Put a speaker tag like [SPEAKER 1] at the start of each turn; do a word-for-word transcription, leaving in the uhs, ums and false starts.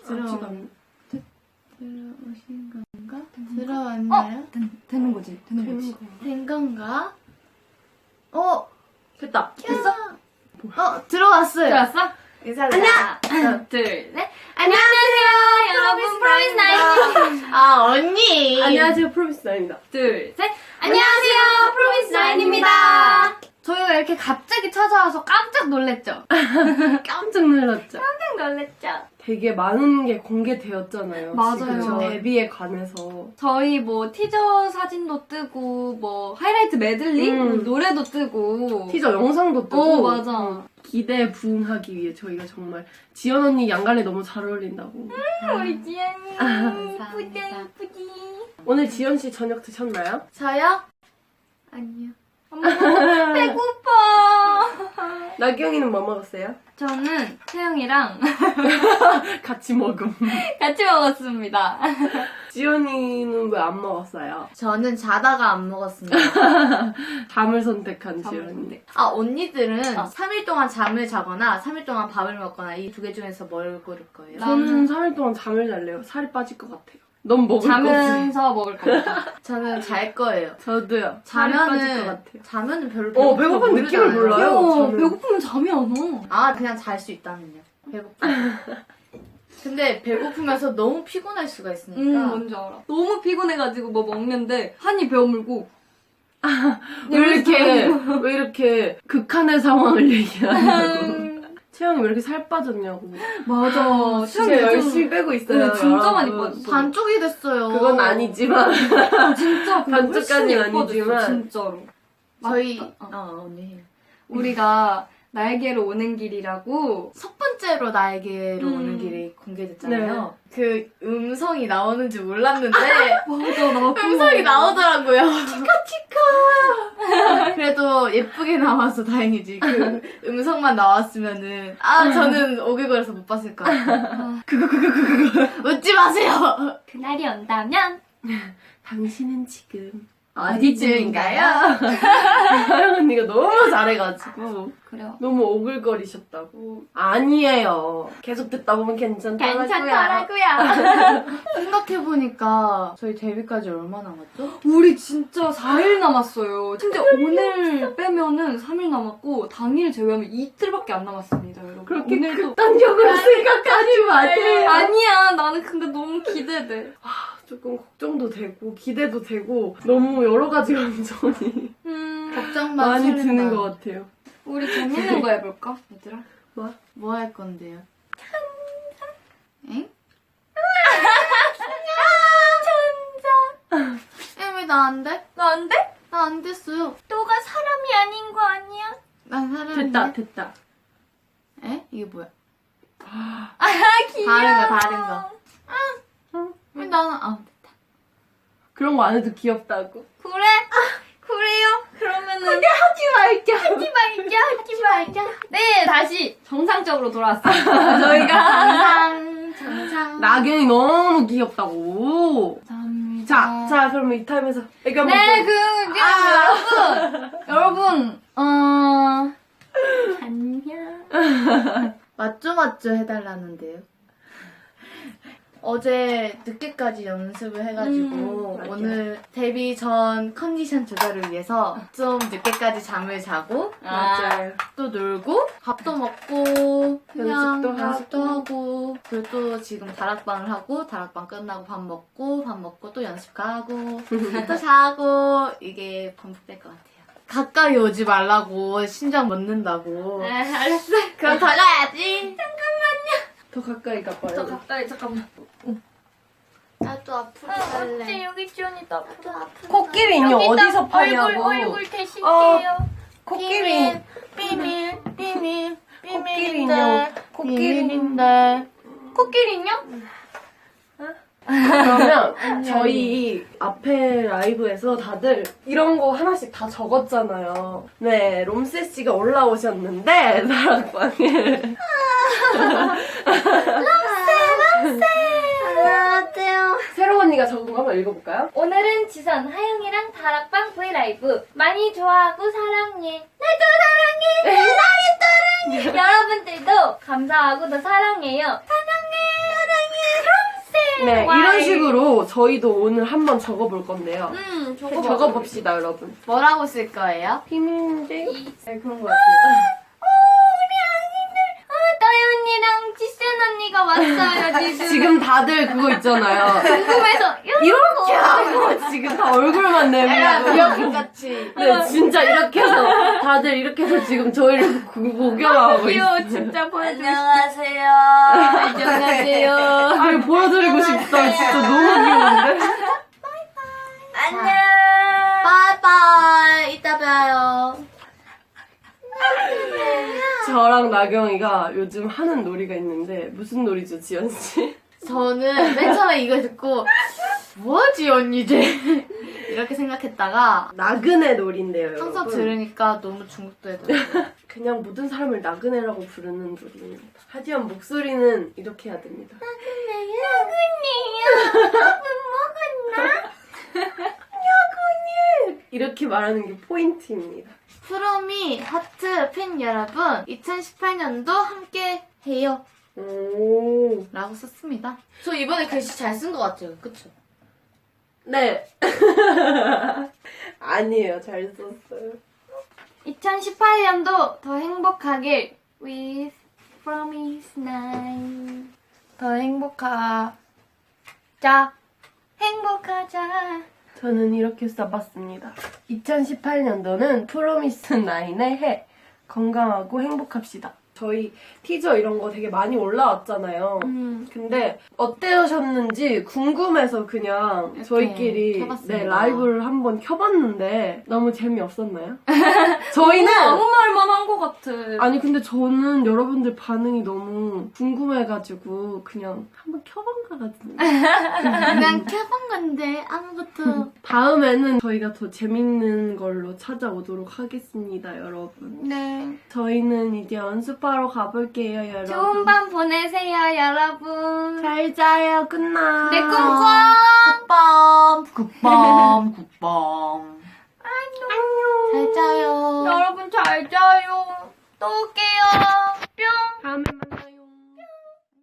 [SPEAKER 1] 들어오신 건가? 들어왔나요?
[SPEAKER 2] 어? 된, 되는 거지. 되는 거지.
[SPEAKER 1] 된 건가? 어?
[SPEAKER 2] 됐다. 됐어?
[SPEAKER 1] 어, 들어왔어요.
[SPEAKER 2] 들어왔어?
[SPEAKER 1] 인사드려.
[SPEAKER 2] 하나, 둘, 셋.
[SPEAKER 1] 안녕하세요,
[SPEAKER 2] 여러분, 프로미스 나인입니다.
[SPEAKER 1] 아, 언니.
[SPEAKER 3] 안녕하세요, 프로미스 나인입니다.
[SPEAKER 2] 둘, 셋. 안녕하세요, 프로미스 나인입니다. 저희가 이렇게 갑자기 찾아와서 깜짝 놀랬죠?
[SPEAKER 3] 깜짝 놀랐죠?
[SPEAKER 2] 깜짝 놀랬죠?
[SPEAKER 3] 되게 많은 게 공개되었잖아요.
[SPEAKER 2] 맞아요.
[SPEAKER 3] 지금 데뷔에 관해서.
[SPEAKER 2] 저희 뭐 티저 사진도 뜨고 뭐 하이라이트 메들리
[SPEAKER 3] 음.
[SPEAKER 2] 노래도 뜨고
[SPEAKER 3] 티저 영상도 뜨고.
[SPEAKER 2] 어 맞아.
[SPEAKER 3] 기대에 부응하기 위해 저희가 정말 지연 언니 양갈래 너무 잘 어울린다고.
[SPEAKER 2] 음, 우리 지연이
[SPEAKER 1] 감사합니다.
[SPEAKER 2] 예쁘지 예쁘지.
[SPEAKER 3] 오늘 지연 씨 저녁 드셨나요?
[SPEAKER 1] 저요? 아니요.
[SPEAKER 2] 엄마 배고파.
[SPEAKER 3] 나경이는 뭐 먹었어요?
[SPEAKER 2] 저는 태영이랑
[SPEAKER 3] 같이 먹음.
[SPEAKER 2] 같이 먹었습니다.
[SPEAKER 3] 지연이는 왜 안 먹었어요?
[SPEAKER 1] 저는 자다가 안 먹었습니다.
[SPEAKER 3] 잠을 선택한 지연이.
[SPEAKER 1] 아, 언니들은
[SPEAKER 2] 어.
[SPEAKER 1] 삼 일 동안 잠을 자거나 삼 일 동안 밥을 먹거나 이 두 개 중에서 뭘 고를 거예요?
[SPEAKER 2] 나-
[SPEAKER 3] 저는 삼 일 동안 잠을 잘래요. 살이 빠질 것 같아요. 넌 먹을 거지.
[SPEAKER 2] 자면서 먹을 겁니다.
[SPEAKER 1] 저는 잘 거예요.
[SPEAKER 3] 저도요. 살이 빠질 것
[SPEAKER 1] 자면은,
[SPEAKER 3] 같아요.
[SPEAKER 1] 자면은 별로
[SPEAKER 3] 어,
[SPEAKER 1] 배고픈 거
[SPEAKER 3] 배고픈 느낌을
[SPEAKER 1] 모르잖아요.
[SPEAKER 3] 몰라요.
[SPEAKER 2] 야,
[SPEAKER 3] 저는.
[SPEAKER 2] 배고프면 잠이 안 와.
[SPEAKER 1] 아, 그냥 잘 수 있다면요. 배고프. 근데 배고프면서 너무 피곤할 수가 있으니까.
[SPEAKER 2] 응, 뭔지 알아. 너무 피곤해가지고 뭐 먹는데 한이 배어물고
[SPEAKER 3] 왜 이렇게 왜 이렇게 극한의 상황을 얘기하냐고. 채영이 왜 이렇게 살 빠졌냐고.
[SPEAKER 2] 맞아.
[SPEAKER 3] 진짜 열심히 빼고 있어요.
[SPEAKER 2] 네, 진짜 많이
[SPEAKER 3] 여러분.
[SPEAKER 2] 빠졌어.
[SPEAKER 1] 반쪽이 됐어요.
[SPEAKER 3] 그건 아니지만
[SPEAKER 2] 진짜 근데 훨씬
[SPEAKER 3] 반쪽까지는
[SPEAKER 2] 예뻐졌어,
[SPEAKER 3] 아니지만.
[SPEAKER 2] 진짜로.
[SPEAKER 1] 저희,
[SPEAKER 2] 맞다. 어.
[SPEAKER 1] 어, 언니 해요.
[SPEAKER 2] 우리가 날개로 오는 길이라고
[SPEAKER 1] 첫 번째로 나에게로
[SPEAKER 2] 음.
[SPEAKER 1] 오는 길이 공개됐잖아요. 그 음성이 나오는지 몰랐는데
[SPEAKER 2] 맞아 나
[SPEAKER 1] 음성이 나오더라고요. 치카치카. 그래도 예쁘게 나와서 다행이지. 그 음성만 나왔으면은 아 저는 오글거려서 못 봤을 것 같아요. 그거 그거 그거 그거 웃지 마세요.
[SPEAKER 2] 그날이 온다면
[SPEAKER 3] 당신은 지금
[SPEAKER 1] 어디쯤인가요?
[SPEAKER 3] 하영 언니가 너무 잘해가지고
[SPEAKER 2] 그래요.
[SPEAKER 3] 너무 오글거리셨다고. 아니에요. 계속 듣다 보면 괜찮더라고요.
[SPEAKER 1] 생각해보니까 저희 데뷔까지 얼마 남았죠?
[SPEAKER 2] 우리 진짜 사 일 남았어요. 근데 오늘 빼면은 삼 일 남았고 당일 제외하면 이틀밖에 안 남았습니다, 여러분.
[SPEAKER 3] 그렇게
[SPEAKER 2] 오늘도
[SPEAKER 3] 극단적으로 생각하지 마세요.
[SPEAKER 2] 아니야. 나는 근데 너무 기대돼.
[SPEAKER 3] 조금 걱정도 되고 기대도 되고 너무 여러 가지 감정이
[SPEAKER 2] 음,
[SPEAKER 1] 걱정만
[SPEAKER 3] 많이
[SPEAKER 1] 설렌다.
[SPEAKER 3] 드는 것 같아요.
[SPEAKER 2] 우리 재밌는 거 해볼까, 얘들아?
[SPEAKER 3] 뭐?
[SPEAKER 1] 뭐 할 건데요? 엥? 천자. 왜 나 안 돼?
[SPEAKER 2] 너 안 돼?
[SPEAKER 1] 나 안 됐어요.
[SPEAKER 2] 너가 사람이 아닌 거 아니야?
[SPEAKER 1] 난 사람인데.
[SPEAKER 3] 됐다 됐다.
[SPEAKER 1] 에? 이게 뭐야?
[SPEAKER 2] 아, 귀여워.
[SPEAKER 1] 다른 거, 다른 거. 왜 나는 아 됐다.
[SPEAKER 3] 그런 거 안 해도 귀엽다고.
[SPEAKER 2] 그래? 그래요? 그러면은
[SPEAKER 3] 하지 말자.
[SPEAKER 2] 하지 말자, 하지 말자. 네, 다시 정상적으로 돌아왔습니다. 저희가
[SPEAKER 1] 정상, 정상.
[SPEAKER 3] 나경이 너무 귀엽다고.
[SPEAKER 2] 감사합니다.
[SPEAKER 3] 자, 자 그럼 이 타임에서 애교 한번
[SPEAKER 2] 네,
[SPEAKER 3] 보여.
[SPEAKER 2] 그, 그 여러분, 여러분, 어, 안녕.
[SPEAKER 1] 맞죠 맞죠 해달라는데요. 어제 늦게까지 연습을 해가지고
[SPEAKER 3] 음,
[SPEAKER 1] 오늘 데뷔 전 컨디션 조절을 위해서 좀 늦게까지 잠을 자고
[SPEAKER 3] 맞아요.
[SPEAKER 1] 또 놀고 밥도 먹고 그냥
[SPEAKER 3] 연습도
[SPEAKER 1] 연습도
[SPEAKER 3] 하고.
[SPEAKER 1] 하고 그리고 또 지금 다락방을 하고 다락방 끝나고 밥 먹고 밥 먹고 또 연습 가고 또 자고 이게 반복될 것 같아요. 가까이 오지 말라고 심장 멎는다고.
[SPEAKER 2] 네, 알았어.
[SPEAKER 1] 그럼 더 가야지.
[SPEAKER 3] 더 가까이 가봐요.
[SPEAKER 2] 더 가까이, 잠깐만.
[SPEAKER 1] 나도 앞으로
[SPEAKER 2] 아,
[SPEAKER 1] 갈래.
[SPEAKER 2] 어째 여기 지원이다.
[SPEAKER 1] 또 앞으로
[SPEAKER 3] 코끼리 인형
[SPEAKER 2] 여기다
[SPEAKER 3] 어디서 파냐고.
[SPEAKER 2] 얼굴, 얼굴 대실게요.
[SPEAKER 3] 어. 코끼리.
[SPEAKER 1] 비밀 비밀
[SPEAKER 3] 코끼리 인형. 코끼리.
[SPEAKER 1] 비밀인데.
[SPEAKER 2] 코끼리 인형?
[SPEAKER 3] 그러면 저희 앞에 라이브에서 다들 이런 거 하나씩 다 적었잖아요. 네, 롬세 씨가 올라오셨는데 다락방에
[SPEAKER 1] 안녕하세요.
[SPEAKER 3] 새로 언니가 적은 거 한번 읽어볼까요?
[SPEAKER 2] 오늘은 지선, 하영이랑 다락방 브이라이브 많이 좋아하고 사랑해. 나도 사랑해. 나도 사랑해. 여러분들도 감사하고 더 사랑해요. 사랑해.
[SPEAKER 3] 네,
[SPEAKER 2] Why?
[SPEAKER 3] 이런 식으로 저희도 오늘 한번 적어볼 건데요.
[SPEAKER 2] 음, 저거
[SPEAKER 3] 적어봅시다, 여러분.
[SPEAKER 1] 뭐라고 쓸 거예요?
[SPEAKER 3] 비밀인데?
[SPEAKER 2] 네, 그런 것 같아요. 다이 언니랑 지센 언니가 왔어요, 지금.
[SPEAKER 3] 지금 다들 그거 있잖아요.
[SPEAKER 2] 궁금해서.
[SPEAKER 3] 이렇게 하고 지금 다 얼굴만 내밀고.
[SPEAKER 1] 미역국같이.
[SPEAKER 3] 네, 진짜 이렇게 해서 다들 이렇게 해서 지금 저희를 구- 구경하고
[SPEAKER 2] 귀여워,
[SPEAKER 3] 있어요.
[SPEAKER 2] 진짜 보여드리고
[SPEAKER 1] 안녕하세요.
[SPEAKER 2] 안녕하세요.
[SPEAKER 3] 아니, 보여드리고 싶다. 진짜 너무 귀여운데?
[SPEAKER 1] 안녕. 바이바이. 이따 봬요.
[SPEAKER 3] 저랑 나경이가 요즘 하는 놀이가 있는데 무슨 놀이죠, 지연씨?
[SPEAKER 1] 저는 맨 처음에 이거 듣고 뭐지 언니 이제 이렇게 생각했다가
[SPEAKER 3] 나그네 놀이인데요, 여러분.
[SPEAKER 1] 항상 들으니까 너무 중독되더라고요.
[SPEAKER 3] 그냥 모든 사람을 나그네라고 부르는 놀이입니다. 하지만 목소리는 이렇게 해야 됩니다. 이렇게 말하는 게 포인트입니다.
[SPEAKER 1] 프로미 하트 팬 여러분 이천십팔 년도 함께 해요
[SPEAKER 3] 오.
[SPEAKER 1] 라고 썼습니다. 저 이번에 글씨 잘 쓴 것 같아요. 그쵸?
[SPEAKER 3] 네. 아니에요. 잘 썼어요.
[SPEAKER 2] 이천십팔 년도 더 행복하길 with promise nine.
[SPEAKER 1] 더 행복하
[SPEAKER 2] 자, 행복하자.
[SPEAKER 3] 저는 이렇게 써봤습니다. 이천십팔 년도는 프로미스 나인의 해. 건강하고 행복합시다. 저희 티저 이런 거 되게 많이 올라왔잖아요.
[SPEAKER 2] 음.
[SPEAKER 3] 근데 어떠셨는지 궁금해서 그냥
[SPEAKER 1] 이렇게
[SPEAKER 3] 저희끼리
[SPEAKER 1] 켜봤습니다.
[SPEAKER 3] 네, 라이브를 한번 켜봤는데 너무 재미없었나요? 저희는
[SPEAKER 2] 아무 말만 한 것 같아.
[SPEAKER 3] 아니 근데 저는 여러분들 반응이 너무 궁금해가지고 그냥 한번 켜본 것 같은데
[SPEAKER 1] 그냥 켜본 건데 아무것도
[SPEAKER 3] 다음에는 저희가 더 재밌는 걸로 찾아오도록 하겠습니다, 여러분.
[SPEAKER 2] 네.
[SPEAKER 3] 저희는 이제 연습하러 가볼게요, 여러분.
[SPEAKER 2] 좋은 밤 보내세요, 여러분.
[SPEAKER 3] 잘 자요, 굿나잇.
[SPEAKER 2] 내 꿈꿔.
[SPEAKER 1] 굿밤 굿밤 굿밤
[SPEAKER 3] 안녕.
[SPEAKER 1] 잘 자요.
[SPEAKER 2] 여러분 잘 자요. 또 올게요.